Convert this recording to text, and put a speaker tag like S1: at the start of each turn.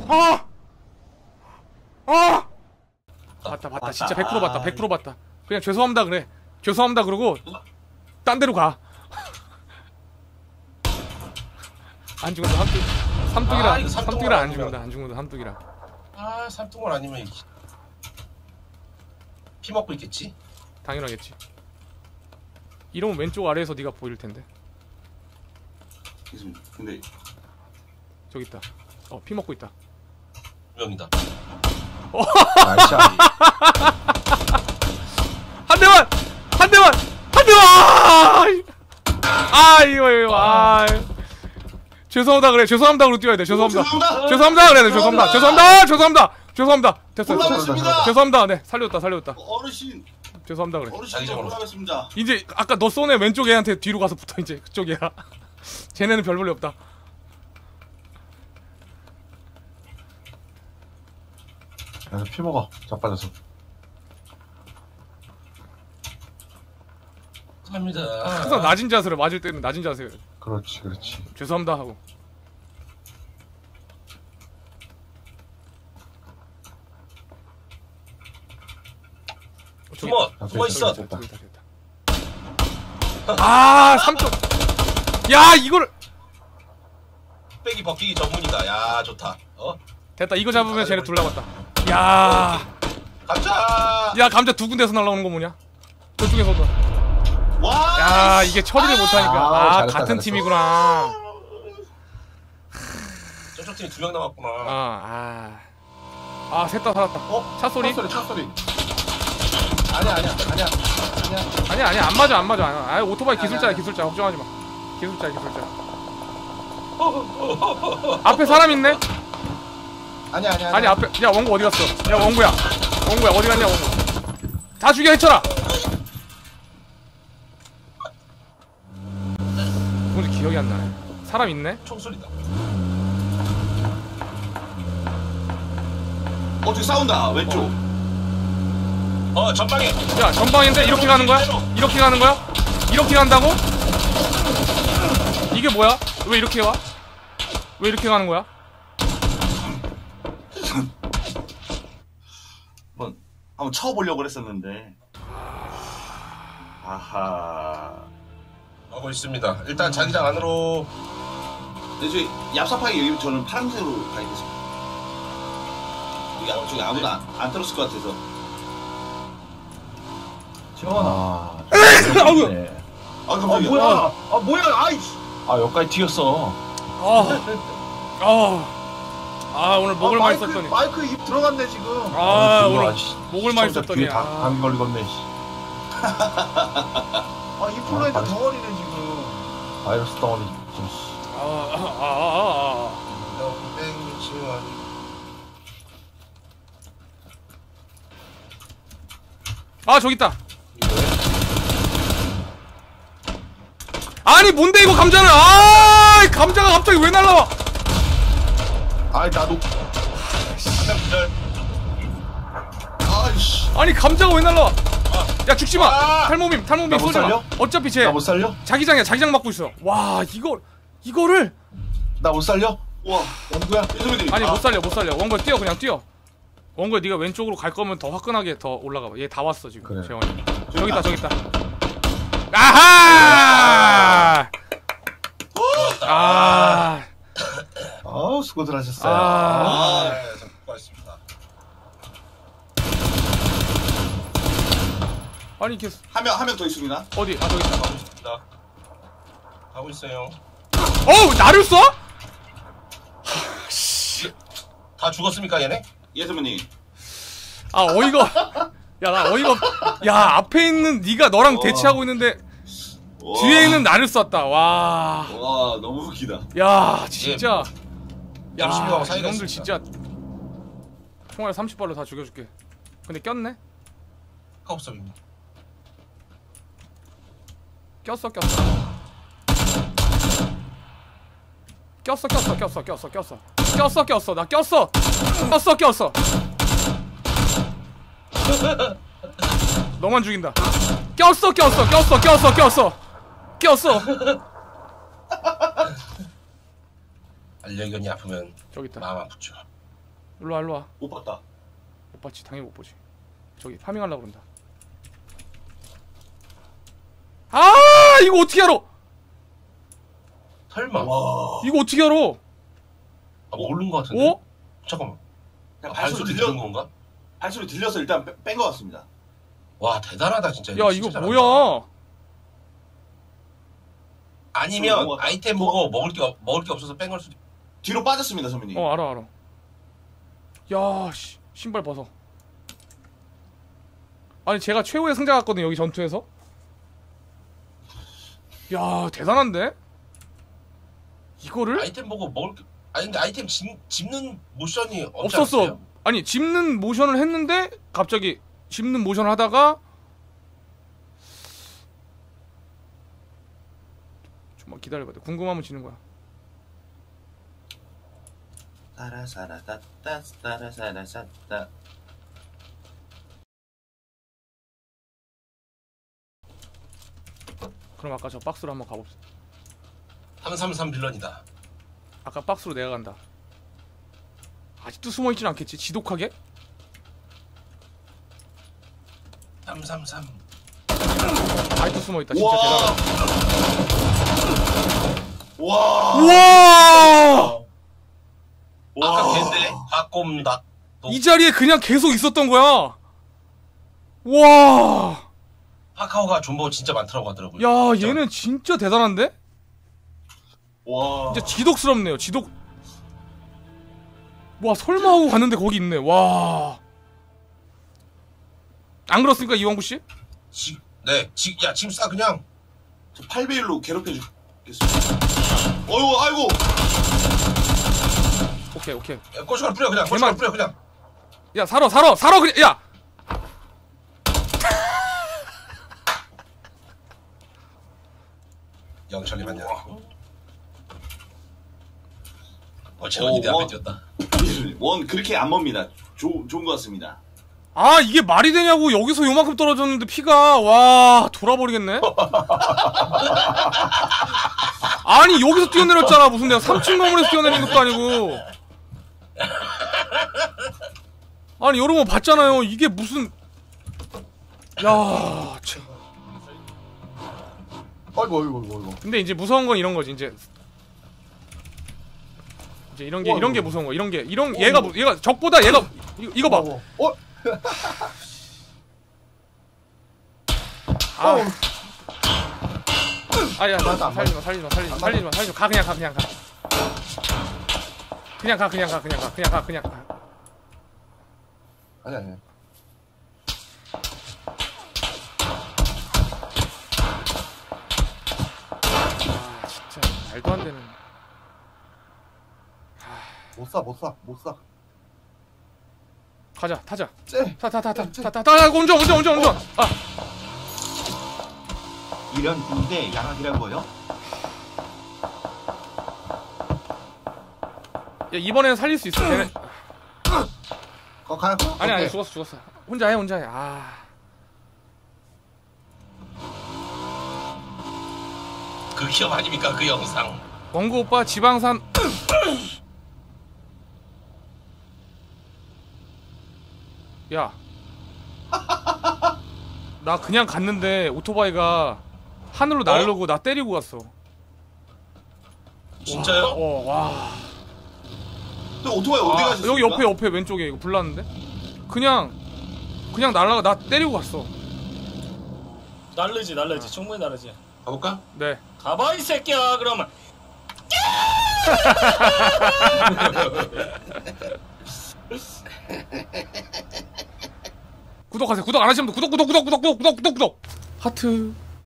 S1: 봤다. 진짜 100% 봤다. 100% 봤다. 그냥 죄송합니다 그래. 죄송합니다 그러고 딴 데로 가. 안 죽는다. 삼뚝이라 안 죽는다. 안 죽는다. 삼뚝이라.
S2: 아, 삼뚝은 아니면 피 먹고 있겠지?
S1: 당연하겠지. 이러면 왼쪽 아래에서 네가 보일 텐데.
S3: 근데
S1: 저기 있다. 피 먹고 있다.
S2: 명이다.
S3: 나이스.
S1: 한 대만! 이거. 죄송합니다 그래. 죄송합니다 그러고 뛰어야 돼. 죄송합니다 그래. 죄송합니다. 됐어.
S3: 올라가겠습니다.
S1: 죄송합니다. 네, 살렸다.
S3: 어르신.
S1: 죄송합니다 그래.
S3: 어르신 올라가겠습니다.
S1: 이제 아까 너 쏜 애 왼쪽 애한테 뒤로 가서 붙어. 이제 그쪽 애야. 쟤네는 별 볼일 없다.
S3: 그래서 피 먹어. 자빠져서.
S2: 감사합니다.
S1: 항상 낮은 자세로 맞을 때는 낮은 자세.
S3: 그렇지.
S1: 죄송합니다 하고.
S2: 숨어 있어.
S1: 됐다. 아, 3점. 야, 이거를
S2: 뚝배기 벗기기 전문이다. 야, 좋다.
S1: 됐다. 이거 잡으면 쟤네 둘 남았다. 야,
S2: 감자.
S1: 야, 감자 두 군데서 날라오는 거 뭐냐? 저쪽에서도.
S3: 와.
S1: 야, 이게 처리를 못하니까.
S3: 잘했다,
S1: 같은
S3: 잘했어.
S1: 팀이구나.
S2: 저쪽 팀이 2명 남았구나.
S1: 셋 다 살았다. 차 소리?
S3: 차 소리.
S1: 아니야, 안 맞아. 오토바이 기술자야. 걱정하지 마. 기술자야. 앞에 사람 있네?
S3: 아니야.
S1: 아니, 앞에. 야, 원구 어디 갔어? 야, 원구야, 어디 갔냐, 원구. 다 죽여, 해쳐라! 뭔지 기억이 안 나네. 사람 있네?
S2: 총소리다.
S3: 저기 싸운다. 왼쪽.
S2: 전방에.
S1: 야, 전방인데 이렇게 가는 거야? 이렇게 간다고? 이게 뭐야? 왜 이렇게 와? 왜 이렇게 가는 거야?
S3: 한번 쳐보려고 그랬었는데. 아하.
S2: 하고 있습니다. 일단 자기장 안으로.
S3: 저기 얍삽하게 여기 저는 파란색으로 가야겠습니다. 저기 아무도 안 들었을 것 같아서.
S4: 지원아.
S3: 깜짝이야.
S4: 뭐야? 아이씨. 여기까지 튀었어.
S1: 오늘 목을 많이 썼더니.
S4: 마이크 입 들어갔네 지금.
S1: 오늘 목을 많이 썼더니.
S3: 뒤에 감기 걸리겠네.
S4: 인플루엔자 덩어리네 지금.
S3: 바이러스 덩어리.
S1: 저기 있다. 아니 뭔데 이거 감자는. 감자가 갑자기 왜 날라와?
S3: 나도.
S1: 아니 감자가 왜 날라와? 야 죽지마. 탈모밈
S3: 못
S1: 쏘지마.
S3: 살려?
S1: 어차피 쟤
S3: 나 못 살려?
S1: 자기장 맞고 있어. 와 이거를.
S3: 나 못 살려? 와, 원구야.
S1: 아니 못 살려. 원거야 뛰어. 그냥 뛰어. 원거야 네가 왼쪽으로 갈 거면 더 화끈하게 더 올라가봐. 얘 다 왔어 지금.
S3: 그래.
S1: 재원이. 저기 있다. 아하!
S3: 수고들 하셨어요.
S2: 수고하셨습니다.
S1: 아니 이게
S3: 한 명 더 있습니다.
S1: 어디? 저기 있다.
S2: 가고 있습니다. 가고 있어요.
S1: 나를 쏴?
S2: 다 죽었습니까 얘네?
S3: 예, 선배님.
S1: 어이가. 야 앞에 있는 네가 너랑 대치하고 있는데 뒤에 있는 나를 쐈다. 와
S3: 너무 웃기다.
S1: 야 진짜.
S2: MC하고 사이가
S1: 이놈들
S2: 있습니다.
S1: 진짜. 총알 30발로 다 죽여줄게. 근데 꼈네?
S2: 카옵섭입니다.
S1: 꼈어. 나 꼈어. 너만 죽인다. 꼈어.
S2: 알려견이 아프면
S1: 저기 있다.
S2: 마음 아프죠.
S1: 일로와 일로와.
S3: 못 봤다.
S1: 못 봤지. 당연히 못 보지. 저기 파밍하려고 그런다. 아 이거 어떻게 알아?
S2: 설마.
S3: 와.
S1: 이거 어떻게 알아?
S2: 아, 모르는 것 같은데.
S1: 어?
S2: 잠깐만.
S3: 그냥
S2: 발소리 들은 건가?
S3: 발소리 들려서 일단 뺀 것 같습니다.
S2: 와 대단하다 진짜.
S1: 야
S2: 진짜
S1: 이거
S2: 잘한다.
S1: 뭐야?
S2: 아니면
S3: 넘어갔다.
S2: 아이템 보고 먹을 게 없어서 뺀 걸 수도.
S3: 뒤로 빠졌습니다, 선배님.
S1: 알아. 야 씨, 신발 벗어. 아니 제가 최후의 승자 같거든 여기 전투에서. 야 대단한데? 이거를?
S2: 아이템 보고 먹을 게. 아니 근데 아이템 집는 모션이 없지
S1: 없었어.
S2: 않았어요?
S1: 아니 집는 모션을 했는데 갑자기 집는 모션을 하다가 좀만 기다려봐. 궁금하면 지는 거야.
S3: 따라사라따따 따라사라사따.
S1: 그럼 아까 저 박스로 한번 가봅시다.
S2: 333 빌런이다.
S1: 아까 박스로 내가 간다. 아직도 숨어있진 않겠지? 지독하게?
S2: 333.
S1: 아직도 숨어있다. 진짜
S3: 와.
S1: 대단하다.
S3: 와.
S1: 우와!
S2: 아까 걔인데 박곰닭.
S1: 이 자리에 그냥 계속 있었던 거야. 와!
S2: 파카오가 존버 진짜 많더라고 하더라고요.
S1: 야,
S2: 진짜.
S1: 얘는 진짜 대단한데?
S3: 와.
S1: 진짜 지독스럽네요. 지독. 와, 설마 하고 갔는데 거기 있네. 와. 안 그렇습니까, 이왕구 씨?
S2: 야 지금 싸 그냥.
S3: 저 8배1로 괴롭혀 주겠습니다. 어이구, 아이고.
S1: 오케이.
S2: 야, 고춧가루 뿌려 그냥. 고춧가루 뿌려 그냥.
S1: 야, 살아 그냥. 야.
S2: 영철이 맞냐? 재원이 내 앞에 뛰었다.
S3: 원 그렇게 안 멉니다. 좋은 것 같습니다.
S1: 아, 이게 말이 되냐고. 여기서 요만큼 떨어졌는데 피가. 와, 돌아버리겠네. 아니, 여기서 뛰어내렸잖아. 무슨 내가 3층 건물에서 뛰어내린 것도 아니고. 아니, 여러분 봤잖아요. 이게 무슨. 야, 참.
S4: 아이고.
S1: 근데 이제 무서운 건 이런 거지. 이제 이런 게 무서운 거. 얘가 적보다 얘가 이거 봐. 아야, 살리지 마. 가 그냥 가.
S4: 아니.
S1: 아, 진짜 말도 안 되는.
S4: 못 사.
S1: 가자, 타자.
S4: 쟤.
S1: 타. 운전. 아,
S5: 이런 군대 양악이라고요?
S1: 야, 이번에는 살릴 수 있어. 걔네.
S4: 가요?
S1: 아니, 죽었어. 혼자 해. 아.
S2: 그 기업 아닙니까 그 영상.
S1: 원구 오빠 지방산. 야. 나 그냥 갔는데 오토바이가 하늘로 날르고 나 때리고 갔어.
S2: 진짜요?
S1: 와.
S3: 또 오토바이 어디 가셨습니까?
S1: 여기 옆에 왼쪽에 이거 불났는데? 그냥 날라가 나 때리고 갔어.
S6: 날르지 충분히 날르지.
S2: 가볼까?
S1: 네.
S6: 가봐 이 새끼야 그러면.
S1: 구독하세요. 구독 안 하시면 구독. 하트.